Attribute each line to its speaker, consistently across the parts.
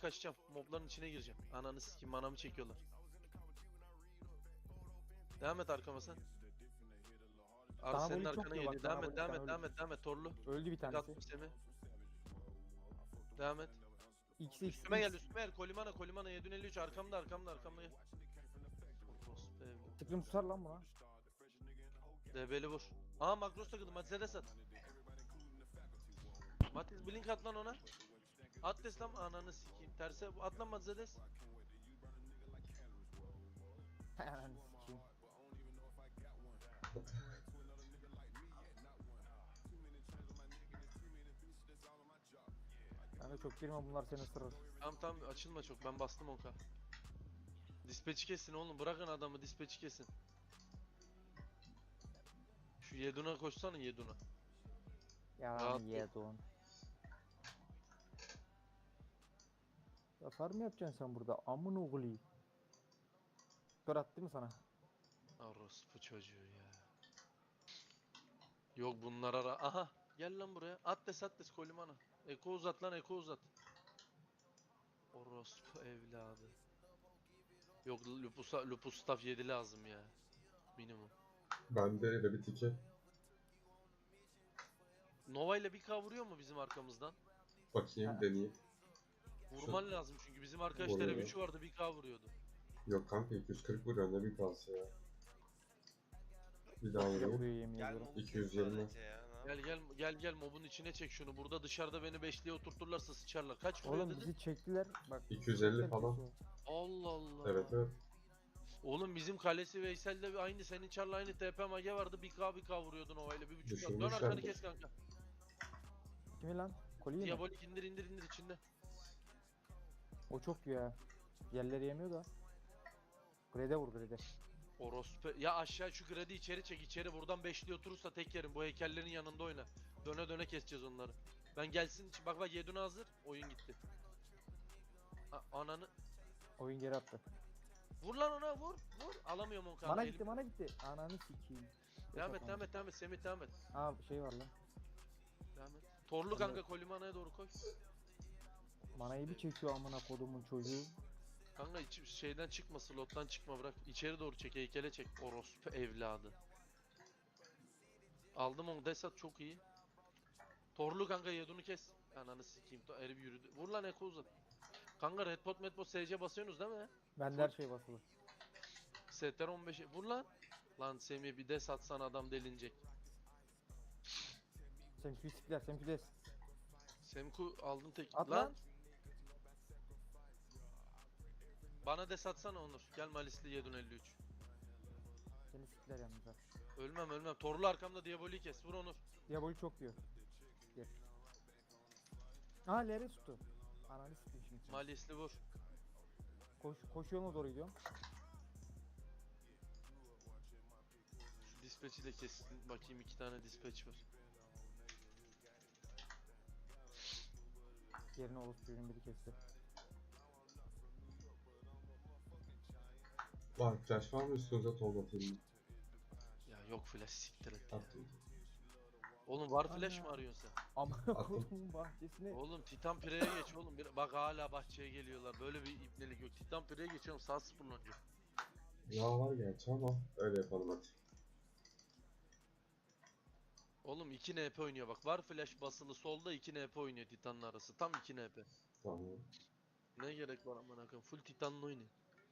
Speaker 1: kaçacağım. Mobların içine gireceğim. Ananı sikeyim, manamı çekiyorlar. Devam et arkama sen.
Speaker 2: Sana
Speaker 1: Senin
Speaker 2: boli çok
Speaker 1: arkana
Speaker 2: diyor bak,
Speaker 1: geliyor.
Speaker 2: sana
Speaker 1: Devam et,
Speaker 2: boli,
Speaker 1: devam
Speaker 2: sen
Speaker 1: et,
Speaker 2: öldün.
Speaker 1: devam et, devam et. Torlu.
Speaker 2: Öldü bir
Speaker 1: Tek
Speaker 2: tanesi.
Speaker 1: attım Semih. Devam et.
Speaker 2: X'e
Speaker 1: Üstüme gel, üstüme gel. Kolimana 753 arkamda. Gel. Orospu evladı.
Speaker 2: Tıklım tutar lan buna.
Speaker 1: DB'li vur. Aa Makros takıldı. Matiz'e sat. Matiz blink at lan ona. At des lan, ananı sikeyim. Terse at lan Matiz'e des.
Speaker 2: Ananı sikeyim. Ben de çok girme, bunlar seni ısırır.
Speaker 1: Tamam açılma çok, ben bastım 10k. Dispatch'i kesin oğlum, bırakın adamı, dispatch'i kesin. Şu Yedun'a koşsana, Yedun'a. Rahat
Speaker 2: Yalan
Speaker 1: ol.
Speaker 2: yedon. Zafer mi yapacaksın sen burada? Amın oğlu. Kör attı mı sana?
Speaker 1: Orospu çocuğu ya. Yok bunlar ara. Aha gel lan buraya. At des Kolimana. Eko uzat lan, Eko uzat. Orospu evladı. Yok Lupus staff 7 lazım ya. Minimum.
Speaker 3: Bende de bir tiki.
Speaker 1: Nova ile bir kavuruyor mu bizim arkamızdan?
Speaker 3: Bakayım,
Speaker 2: Ha.
Speaker 3: deneyeyim.
Speaker 1: Vurman lazım çünkü bizim arkadaşlara
Speaker 3: Vuruyor.
Speaker 1: 3'ü vardı, bir kavuruyordu.
Speaker 3: Yok kanka, 240 vuruyor, ne bir kalsı ya. Bir daha
Speaker 2: Vuruyor
Speaker 3: vurayım.
Speaker 2: yemin
Speaker 4: Gel
Speaker 2: ediyorum.
Speaker 4: mobu
Speaker 3: 220.
Speaker 4: sadece ya. Ne yapayım?
Speaker 1: Gel mobun içine çek şunu. Burada dışarıda beni beşliğe oturturlarsa sıçarlar. Kaç vuruyor
Speaker 2: Oğlum
Speaker 1: dedin?
Speaker 2: bizi çektiler. Bak.
Speaker 3: 250 falan.
Speaker 1: Allah Allah.
Speaker 3: Evet.
Speaker 1: Oğlum bizim kalesi Veysel'de aynı, senin Char'la aynı TP mage vardı. 1k vuruyordun ovayla, 1.5k. Dön
Speaker 3: Düşürmüşler
Speaker 1: arkanı
Speaker 3: mi?
Speaker 1: kes kanka.
Speaker 2: Kimi lan? Koliyi mi?
Speaker 1: Diabolik indir içinde.
Speaker 2: O çok ya. Yerleri yemiyor da. Grede vur grede.
Speaker 1: Orospu. Ya aşağı şu gradi içeri çek, içeri buradan beşli oturursa tek yerim. Bu heykellerin yanında oyna. Döne keseceğiz onları. Ben gelsin, bak Yedun hazır. Oyun gitti. Ananı.
Speaker 2: Oyun geri attı.
Speaker 1: Vur lan ona, vur. Alamıyorum onu kanka.
Speaker 2: Bana gitti. Ananı sikeyim.
Speaker 1: Devam et. Semih devam et.
Speaker 2: Aa şey var lan.
Speaker 1: Devam et. Torlu kanka Kolimana'ya doğru koy.
Speaker 2: Manayı bir çekiyor amına kodumun çocuğu.
Speaker 1: Kanka şeyden çıkma, slottan çıkma, bırak. İçeri doğru çek, heykele çek. Orospu evladı. Aldım onu, Desat çok iyi. Torlu kanka Yedun'u kes. Ananı sikeyim, herif yürüdü. Vur lan, Eko uzat. Kanka Redpot SC basıyorsunuz değil mi?
Speaker 2: Bende her şey basılı.
Speaker 1: STR 15'e vur lan. Lan Semih bir des atsan adam delinecek.
Speaker 2: Semkü sikler, semkü des.
Speaker 1: Semku aldın tek.
Speaker 2: At lan.
Speaker 1: Bana des atsana Onur. Gel Malisli Yedun 53.
Speaker 2: Seni sikler yalnız ha.
Speaker 1: Ölmem. Torlu arkamda Diaboli'yi kes. Vur Onur.
Speaker 2: Diaboli çok diyor. Gel. Aa Ler'e tuttu. Ananı sikeyim şimdi.
Speaker 1: Malisli vur.
Speaker 2: Koşu yoluna doğru gidiyorum.
Speaker 1: Şu dispatch'i de kessin. Bakayım, 2 tane dispatch var.
Speaker 2: Yerine Oğuzcuğun biri kesti.
Speaker 3: Var, flash var mı üstünüze, toz atayım mı?
Speaker 1: Ya yok flash, siktir et ya.
Speaker 3: Attım.
Speaker 1: Oğlum var flash
Speaker 2: Ana.
Speaker 1: mı arıyorsun sen?
Speaker 2: Amına kodumun bahçesine.
Speaker 1: Oğlum Titan Pire'ye geç oğlum. Bak hala bahçeye geliyorlar. Böyle bir ipnelik yok. Titan Pire'ye geçiyorum, sağ sıfırlanacak.
Speaker 3: Ya var gerçi ama öyle yapalım hadi.
Speaker 1: Oğlum 2 NP oynuyor bak. Var flash basılı solda, 2 NP oynuyor Titan'la arası. Tam 2 NP.
Speaker 3: Tamam.
Speaker 1: Ne gerek var aman akım. Full Titan'la oynuyor.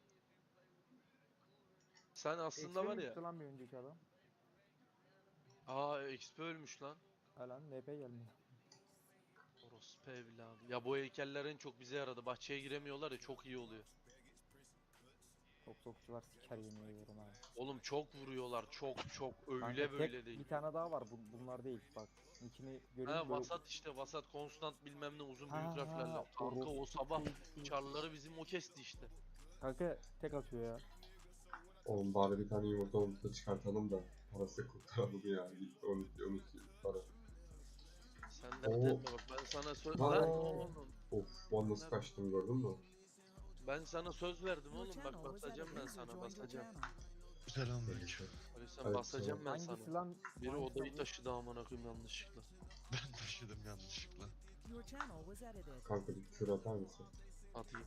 Speaker 1: Sen aslında var ya.
Speaker 2: Lan bir önceki adam.
Speaker 1: Aa XP ölmüş lan.
Speaker 2: Lan NP gelmiyor.
Speaker 1: Orospu evladı. Ya bu heykeller en çok bize yaradı. Bahçeye giremiyorlar ya, çok iyi oluyor.
Speaker 2: Sokçular siker yemin ediyorum abi.
Speaker 1: Oğlum çok vuruyorlar. Çok öyle
Speaker 2: Kanka,
Speaker 1: böyle değil.
Speaker 2: Bir tane daha var, bunlar değil bak. İçini görünce
Speaker 1: Ha vasat işte, vasat konstant bilmem ne uzun büyük
Speaker 2: Ha,
Speaker 1: harflerle. Kanka o
Speaker 2: orospu
Speaker 1: sabah
Speaker 2: çocuğu.
Speaker 1: çarları bizim o kesti işte.
Speaker 2: Kanka tek atıyor ya.
Speaker 3: Oğlum bari bir tane yumurta olup da çıkartalım da parası kurtaralım ya. Gitti 12 para.
Speaker 1: Sen de
Speaker 3: Oo.
Speaker 1: etme bak, ben sana söz
Speaker 3: Aa.
Speaker 1: lan oğlum.
Speaker 3: Of, ben nasıl kaçtım gördün mü?
Speaker 1: Ben sana söz verdim oğlum, bak basacağım ben sana, basacağım.
Speaker 5: Selamünaleyküm.
Speaker 1: Öyle sen
Speaker 3: Evet,
Speaker 1: basacağım ben
Speaker 2: Hangisi
Speaker 1: sana.
Speaker 2: lan?
Speaker 1: Biri
Speaker 2: Hangisi
Speaker 1: odayı
Speaker 2: bu?
Speaker 1: taşıdı amına koyayım yanlışlıkla.
Speaker 5: Ben taşıdım yanlışlıkla.
Speaker 3: Kanka bir kür atar mısın?
Speaker 1: Atayım.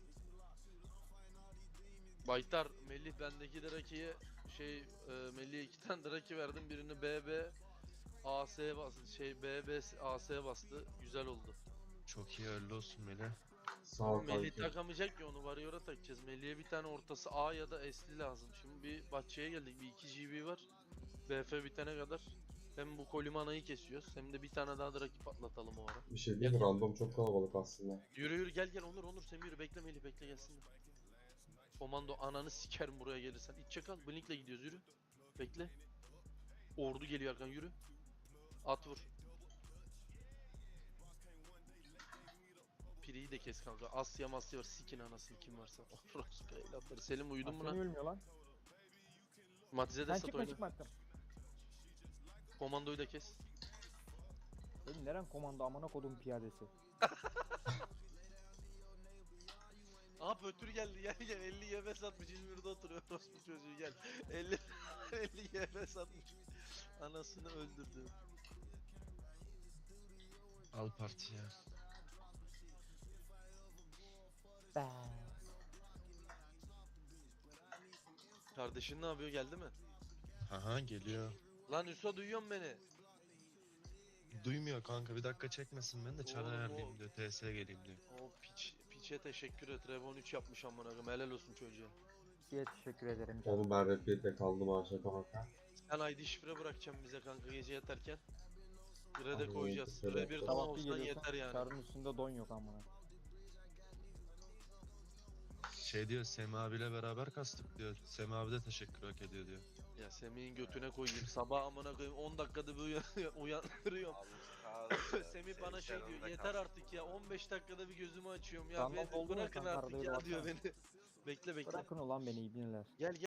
Speaker 1: Baytar, Melih bendeki Draki'ye Melih'e 2 tane Draki verdim. Birini BB AS'ye bastı. BB AS'ye bastı. Güzel oldu.
Speaker 5: Çok iyi hayırlı olsun Melih.
Speaker 3: Sağ
Speaker 1: Ama
Speaker 3: ol
Speaker 1: Melih
Speaker 3: kanki.
Speaker 1: takamayacak ki, onu Warrior'a takacağız. Melih'e bir tane ortası A ya da S'li lazım. Şimdi bir bahçeye geldik. Bir 2 GB var. BF bitene kadar hem bu Kolimana'yı kesiyoruz hem de bir tane daha Draki patlatalım o ara.
Speaker 3: Bir şey değil mi? Random çok kalabalık aslında.
Speaker 1: Yürü yürü, gel Onur sen yürü, bekle Melih, bekle gelsinler. Komando ananı sikerim buraya gelirsen. İç çakal, Blink'le gidiyoruz, yürü. Bekle. Ordu geliyor arkan, yürü. At vur. Piri'yi de kes kanka. Asya Masya var, sikin anasını kim varsa. Orospu evlatları. Selim uyudun mu
Speaker 2: Aslında
Speaker 1: lan?
Speaker 2: ölmüyor lan.
Speaker 1: Matize de
Speaker 2: Ben
Speaker 1: sat
Speaker 2: çıkma
Speaker 1: oyna.
Speaker 2: çıkma attım.
Speaker 1: Komandoyu da kes.
Speaker 2: Benim neren komando amına kodum piyadesi.
Speaker 1: Aha Pötür geldi, gel 50 YB satmış, İzmir'de oturuyor orospu çocuğu, gel. 50 50 YB satmış. Anasını öldürdü.
Speaker 5: Al partiye.
Speaker 2: Be.
Speaker 1: Kardeşin ne yapıyor, geldi mi?
Speaker 5: Aha geliyor.
Speaker 1: Lan Hüso, duyuyor musun beni?
Speaker 5: Duymuyor kanka, bir dakika çekmesin, ben de çar
Speaker 1: Oğlum,
Speaker 5: ayarlayayım diyor. TS geleyim diyor.
Speaker 1: O piçe teşekkür et. Revon 3 yapmış amına koyayım. Helal olsun çocuğa.
Speaker 2: Size teşekkür ederim. canım.
Speaker 3: Oğlum ben Redbeat'le kaldım aşağı kanka.
Speaker 1: Sen ID şifre bırakacaksın bize kanka gece yatarken. Gre de
Speaker 3: Abi,
Speaker 1: koyacağız.
Speaker 3: evet,
Speaker 1: Gre bir
Speaker 3: evet.
Speaker 1: don
Speaker 2: Sabah bir
Speaker 1: olsan
Speaker 2: geliyorsun.
Speaker 1: yeter yani.
Speaker 2: Çarın üstünde don yok amına.
Speaker 5: Şey diyor, Semi abiyle beraber kastık diyor. Semi abi de teşekkür hak ediyor diyor.
Speaker 1: Ya Semih'in götüne koyayım. Sabah amına koyayım 10 dakikada bir uyandırıyorum. Semih bana şey diyor. Yeter artık ya, 15 dakikada bir gözümü açıyorum ya.
Speaker 2: Random
Speaker 1: Beni
Speaker 2: oldu mu
Speaker 1: bırakın
Speaker 2: kanka,
Speaker 1: artık
Speaker 2: arada
Speaker 1: ya
Speaker 2: öyle
Speaker 1: diyor
Speaker 2: baksana.
Speaker 1: beni. Bekle.
Speaker 2: Bırakın ulan beni ibneler.
Speaker 1: Gel